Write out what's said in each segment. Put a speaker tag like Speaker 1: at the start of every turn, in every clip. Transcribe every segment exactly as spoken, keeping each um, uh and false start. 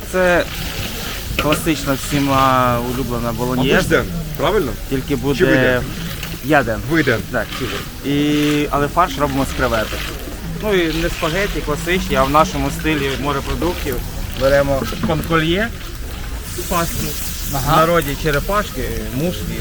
Speaker 1: це класична всіма улюблена болоньєз.
Speaker 2: Ден, правильно?
Speaker 1: Тільки
Speaker 2: Чи
Speaker 1: буде
Speaker 2: виден?
Speaker 1: яден.
Speaker 2: Виден.
Speaker 1: Так, чи І... Але фарш робимо з креветок. Ну і не спагеті класичні, а в нашому стилі морепродуктів беремо конкольє, пасту, ага. В народі черепашки, мушки.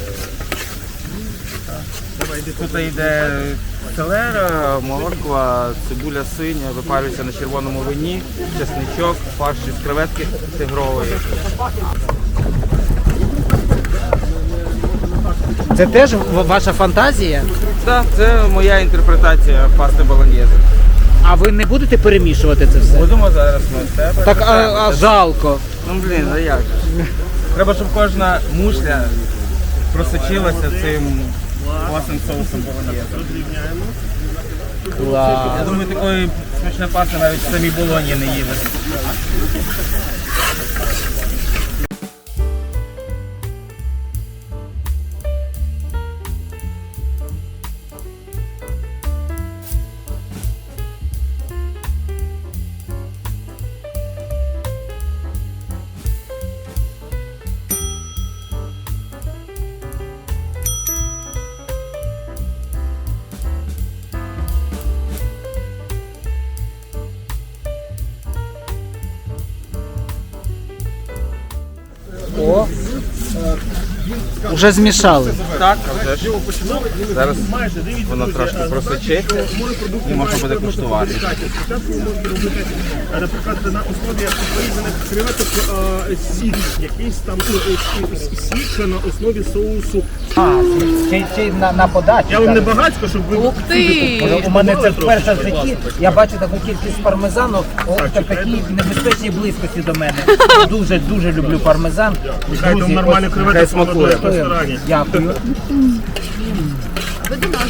Speaker 1: Тут йде селера, морква, цибуля синя, випарюється на червоному вині, чесничок, фарш із креветки тигрової.
Speaker 3: Це теж ваша фантазія?
Speaker 1: Так, це моя інтерпретація пасти болоньєзи.
Speaker 3: А ви не будете перемішувати це все?
Speaker 1: Будемо зараз ми з тебе.
Speaker 3: Так, а, а жалко.
Speaker 1: Ну блін, а як же? Треба, щоб кожна мушля просочилася цим класним соусом болоньєзи.
Speaker 3: Клас.
Speaker 1: Я думаю, такої смачної пасти навіть в самій Болоні не їли.
Speaker 3: О, вже змішали.
Speaker 1: Так, а вже ж. Зараз воно трошки просочиться і можна буде куштувати.
Speaker 4: Наприклад, на основі порізаних креветок сік, якийсь там сік, що на основі соусу.
Speaker 3: А, чи, чи на, на подачу.
Speaker 4: Я вам не багатько, щоб ви...
Speaker 5: Ух ти!
Speaker 3: У мене це вперше в житті. Я бачу таку кількість пармезану в такій небезпечній близькості до мене. Дуже, дуже люблю пармезан.
Speaker 4: Нехай там нормальні креветки смакує в ресторані.
Speaker 3: Дякую.
Speaker 5: Ви до нас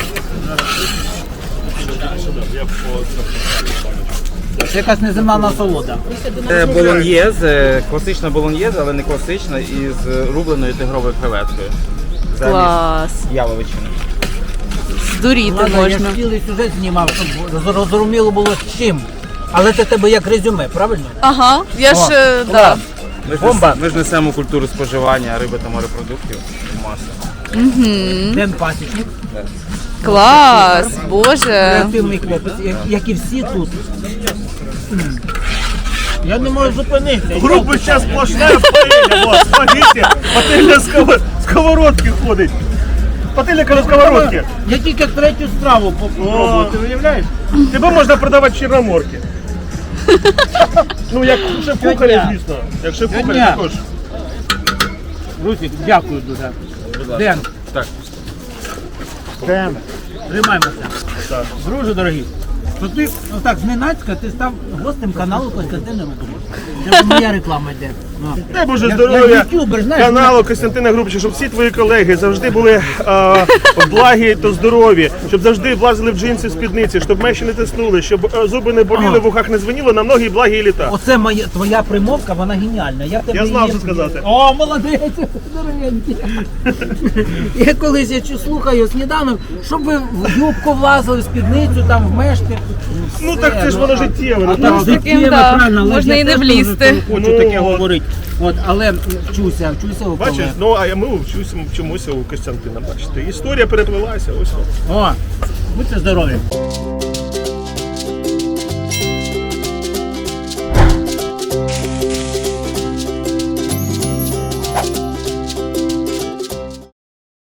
Speaker 3: Це якась неземна насолода.
Speaker 1: Це болоньєз, класична болоньєз, але не класична, із рубленою тигровою креветкою.
Speaker 5: Клас.
Speaker 1: Яловичини.
Speaker 5: Здуріти
Speaker 3: Ладно, я
Speaker 5: можна.
Speaker 3: ж цілий сюжет знімав, щоб зрозуміло було з чим. Але це тебе як резюме, правильно?
Speaker 5: Ага, я ж,
Speaker 3: О,
Speaker 5: е, да.
Speaker 3: клас.
Speaker 1: Ми ж,
Speaker 3: Бомба.
Speaker 1: нес- ми ж несемо культуру споживання риби та морепродуктів в масу.
Speaker 3: Ден пасічник.
Speaker 5: Клас, боже.
Speaker 3: Креативний хлопець, як, як і всі тут. М. Я не можу зупинитися.
Speaker 4: Група зараз сплошна паэлья, вот, смотрите, пательня з сковород- сковородки ходить. Пательня на сковородки.
Speaker 3: Я тільки третю страву попробую, ти уявляєш?
Speaker 4: Тебе можна продавати в Чорноморці. Ну, як шеф-кухарі, звісно. Як шеф-кухарі
Speaker 3: Сьогодні.
Speaker 4: також.
Speaker 3: Русик, дякую дуже. Ден.
Speaker 1: Так.
Speaker 3: Ден. Тримаємося. Друже дорогий, то ти отак зненацька ти став гостем каналу Костянтина Грубчика. Це моя реклама йде. Ну.
Speaker 4: Дай Боже
Speaker 3: Як-
Speaker 4: здоров'я
Speaker 3: як ютубер, знаєш,
Speaker 4: каналу Костянтина Грубчика, щоб всі твої колеги завжди були а, благі та здорові, щоб завжди влазили в джинси, в спідниці, щоб меші не тиснули, щоб а, зуби не боліли,
Speaker 3: Ага.
Speaker 4: в ухах не дзвеніло, на многі благі літа.
Speaker 3: Оце моя твоя примовка, вона геніальна. Я, в тебе
Speaker 4: Я знав,
Speaker 3: її-
Speaker 4: що сказати.
Speaker 3: О, молодець, здоровенький. Я колись я чу- слухаю сніданок, щоб ви в юбку влазили, в спідницю, там в мешки.
Speaker 4: Ну так це ж воно життєве.
Speaker 3: А
Speaker 4: ну,
Speaker 3: так
Speaker 5: з таким,
Speaker 3: життєве,
Speaker 5: да,
Speaker 3: правильно, але
Speaker 5: можна
Speaker 3: я
Speaker 5: і не
Speaker 3: теж
Speaker 5: влізти.
Speaker 3: Хочу
Speaker 4: Ну,
Speaker 3: таке
Speaker 4: от.
Speaker 3: говорити. От, але вчуся, вчуся у
Speaker 4: Бачиш,
Speaker 3: колег.
Speaker 4: ну а ми вчуся, вчимося у Костянтина. Бачите, історія переплилася. Ось.
Speaker 3: О, будьте здорові.